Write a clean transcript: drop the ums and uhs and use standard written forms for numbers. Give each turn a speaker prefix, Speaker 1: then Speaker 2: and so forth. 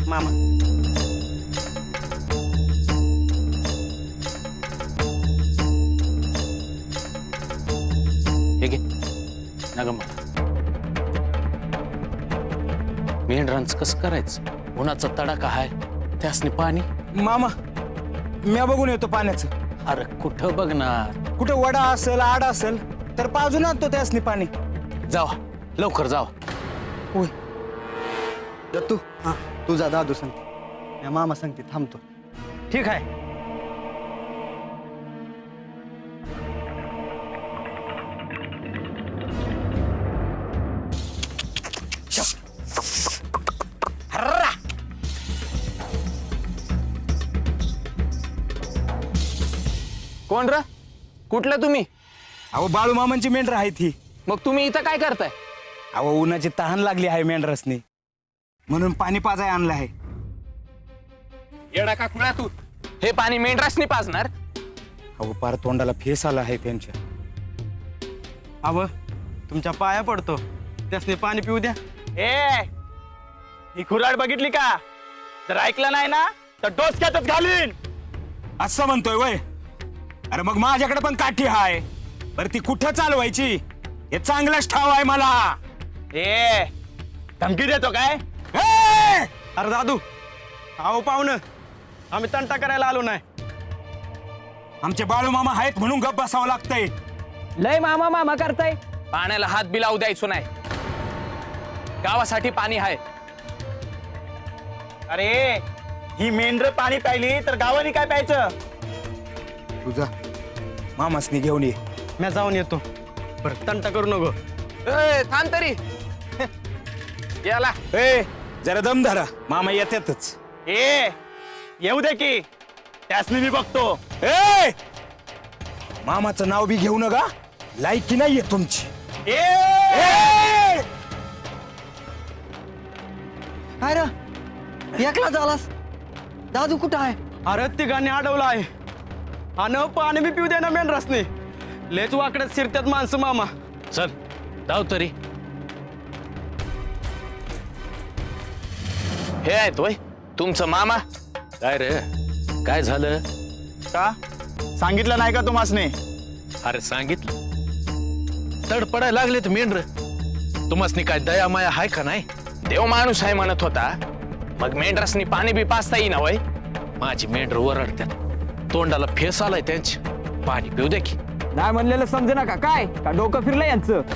Speaker 1: मामा.
Speaker 2: हे घे नग मला मेंढरांचं कसं करायचं उन्हाचा तडाखा हाय त्यासनी पाणी.
Speaker 1: मामा म्या बघून येतो पाण्याचं.
Speaker 2: अरे कुठं बघणार
Speaker 1: कुठे वडा असेल आड असेल तर पाजून आणतो त्यासनी पाणी.
Speaker 2: जावा लवकर जावा.
Speaker 1: होय.
Speaker 3: दत्तू तुझा दादू सांगते या मामा सांगते थांबतो.
Speaker 1: ठीक आहे.
Speaker 2: कोण र कुठलं तुम्ही?
Speaker 1: अहो बाळू मामांची मेंढर आहेत ही.
Speaker 2: मग तुम्ही इथं काय करताय?
Speaker 1: अहो उन्हाची तहान लागली आहे मेंढरसनी म्हणून पाणी पाजाय आणलं आहे.
Speaker 2: येडा का खुळा तू? हे पाणी मेंढरासनी पाजणार?
Speaker 1: अहो पार तोंडाला फेस आला आहे त्यांच्या.
Speaker 3: अव तुमच्या पाया पडतो त्यासने पाणी पिऊ द्या.
Speaker 4: ए ही खुराड बघितली का? जर ऐकलं नाही ना तर डोसक्यातच घालीन.
Speaker 1: असं म्हणतोय वय. अरे मग माझ्याकडे पण काठी हाय. बरं ती कुठं चालवायची हे चांगलंच ठाव आहे मला.
Speaker 4: ए धमकी देतो काय?
Speaker 1: ए!
Speaker 3: अरे दादू अहो पाहुणं आम्ही तंटा करायला आलो नाही.
Speaker 1: आमचे बाळू मामा आहेत म्हणून गप्प बसावं लागतंय.
Speaker 2: लय मामा मामा करताय. पाण्याला हात बी लावू द्यायचो नाही. गावासाठी पाणी आहे.
Speaker 4: अरे ही मेंढर पाणी प्यायली तर गावाने काय प्यायचं?
Speaker 1: तुझा मामासनी घेऊन ये.
Speaker 3: मी जाऊन येतो. बरं तंटा करू नको.
Speaker 2: थांब तरी याला.
Speaker 1: ए जरा दम धरा मामा येतातच.
Speaker 4: ए येऊ दे की त्यासनी मी बघतो.
Speaker 1: ए मामाचं नाव बी घेऊ नका. लायकी नाहीये तुमची.
Speaker 4: ए
Speaker 1: ए!
Speaker 3: अरे एकला झालास. दादू कुठं आहे? अरे तिघांनी अडवलं आहे आणि पाणी बी पिऊ दे ना मेन रसने. लेच वाकड्यात शिरत्यात माणसं मामा.
Speaker 2: चल जाऊ तरी. हे आहेत वय तुमचं मामा? काय रे काय झालं?
Speaker 4: का सांगितलं नाही का तुम्हासने?
Speaker 2: अरे सांगितलं. तडपडायला लागले तर मेंढर. तुम्हासनी काय दया माया हाय का नाही? देव माणूस आहे म्हणत होता. मग मेंढरासनी पाणी बी पाचता येईना वय. माझी मेंढर ओरडत्यात. तोंडाला फेस आलाय त्यांची. पाणी पिऊ दे की.
Speaker 5: नाही म्हणलेलं समजे ना का काय का डोकं फिरलं यांचं.